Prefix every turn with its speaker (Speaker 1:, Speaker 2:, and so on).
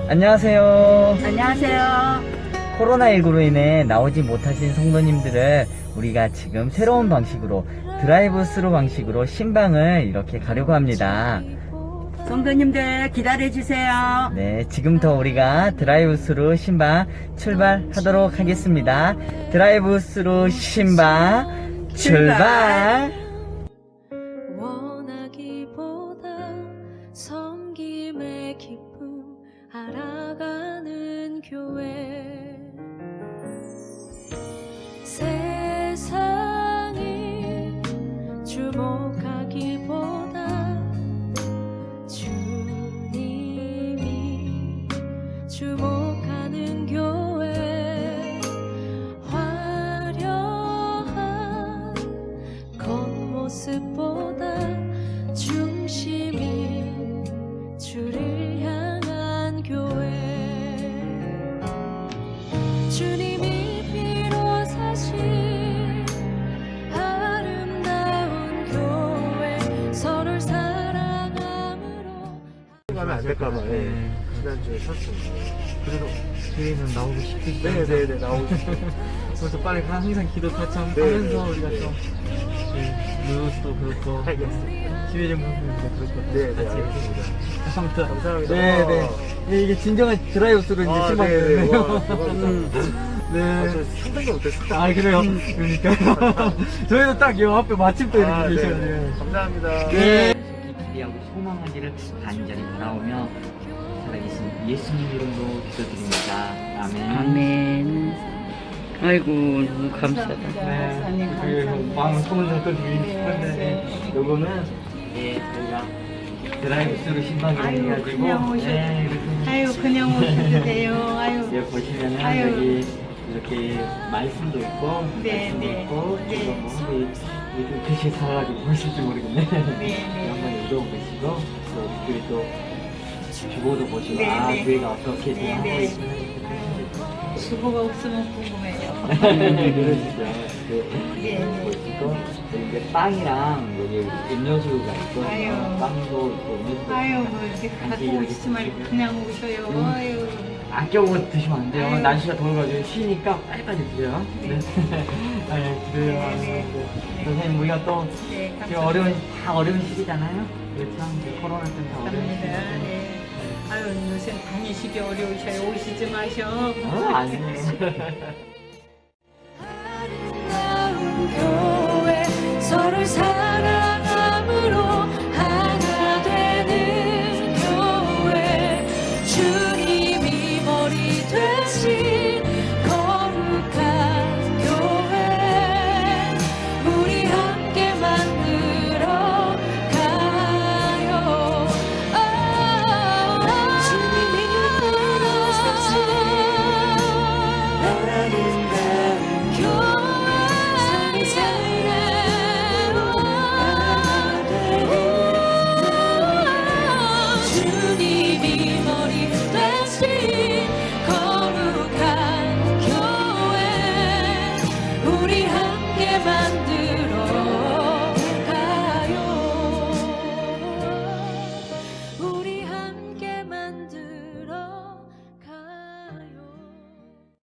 Speaker 1: 안녕하세요.
Speaker 2: 안녕하세요.
Speaker 1: 코로나19로 인해 나오지 못하신 성도님들을 우리가 지금 새로운 방식으로 드라이브 스루 방식으로 신방을 이렇게 가려고 합니다.
Speaker 2: 성도님들 기다려주세요.
Speaker 1: 네, 지금부터 우리가 드라이브 스루 신방 출발하도록 하겠습니다. 드라이브 스루 신방 출발!
Speaker 3: 원하기보다 섬김의 기쁨 알아가는 교회 세상이 주목하기보다 주님이 주목하는 교회 화려한 겉모습보다 중심이 주를 향한 교회 주님이 피로 사신 아름다운 교회 서로를 사랑함으로
Speaker 4: 가면 안 될까봐
Speaker 1: 네.
Speaker 4: 지난주에 샀습니다.
Speaker 1: 그래도 교회는 나오고 싶겠죠.
Speaker 4: 네네네 나오고 싶어요.
Speaker 1: 그래서 빨리 항상 기도 같이 하면서
Speaker 4: 네,
Speaker 1: 우리가
Speaker 4: 네.
Speaker 1: 좀 뉴스도 그렇고
Speaker 4: 알겠습니다.
Speaker 1: 기회 좀 보면서 그렇고
Speaker 4: 네, 네,
Speaker 1: 같이
Speaker 4: 알겠습니다.
Speaker 1: 아무튼
Speaker 4: 감사합니다.
Speaker 1: 네네 이게 진정한 드라이브 스루 이제
Speaker 4: 아,
Speaker 1: 신방이거든요.
Speaker 4: 네, 와, 대박이다.
Speaker 1: 네.
Speaker 4: 저 상당히 못했어요.
Speaker 1: 아 그래요? 그러니까 저희도 딱 이 앞에 마침 또 이렇게
Speaker 4: 아, 네.
Speaker 1: 계셔가지고
Speaker 4: 감사합니다.
Speaker 1: 네. 기대하고 소망하기를 간절히 바라오며 살아계신 예수님 이름으로 기도드립니다. 아멘.
Speaker 2: 아멘. 아이고, 너무 감사하다.
Speaker 1: 네. 그 마음 소문 좀 드리고 싶은데 요거는 예 저희가 드라이브 스루 신방이
Speaker 2: 아유,
Speaker 1: 해가지고
Speaker 2: 그냥 오셔도
Speaker 1: 네, 이렇게
Speaker 2: 아유, 그냥 오셔도 돼요. 아유.
Speaker 1: 예, 보시면은
Speaker 2: 아유.
Speaker 1: 여기 이렇게 말씀도 있고
Speaker 2: 네,
Speaker 1: 말씀도
Speaker 2: 네.
Speaker 1: 있고
Speaker 2: 네.
Speaker 1: 이거 뭐 요즘 글씨 사가지고 보실지 모르겠네.
Speaker 2: 네.
Speaker 1: 한번 읽어보시고 또 그리고 또 주보도 보시고
Speaker 2: 네,
Speaker 1: 아
Speaker 2: 네.
Speaker 1: 교회가 어떻게 지금
Speaker 2: 네,
Speaker 1: 하고
Speaker 2: 네.
Speaker 1: 있구나
Speaker 2: 주보가 없으면 궁금해요.
Speaker 1: 그러시죠.
Speaker 2: 네, 네.
Speaker 1: 보시고 이제 빵이랑 여기 음료수가 있고
Speaker 2: 아유.
Speaker 1: 빵도 있고 음료수도
Speaker 2: 아유,
Speaker 1: 있고
Speaker 2: 뭐 이렇게
Speaker 1: 같이
Speaker 2: 갖고
Speaker 1: 이렇게
Speaker 2: 오시지 말고
Speaker 1: 드시고.
Speaker 2: 그냥 오셔요. 아유.
Speaker 1: 아껴고 드시면 안 돼요.
Speaker 2: 아유.
Speaker 1: 날씨가 더워가지고 쉬니까 빨리빨리 드세요. 네. 아유, 그래요.
Speaker 2: 네, 네.
Speaker 1: 선생님, 우리가 또
Speaker 2: 네,
Speaker 1: 지금
Speaker 2: 감사합니다.
Speaker 1: 다 어려운 시기잖아요. 그렇죠. 이제 코로나 때문에 다 어려운
Speaker 2: 감사합니다.
Speaker 1: 시기인데.
Speaker 2: 네. 아유, 요새 다니시기 어려우셔요. 오시지 마셔.
Speaker 1: 아니에요.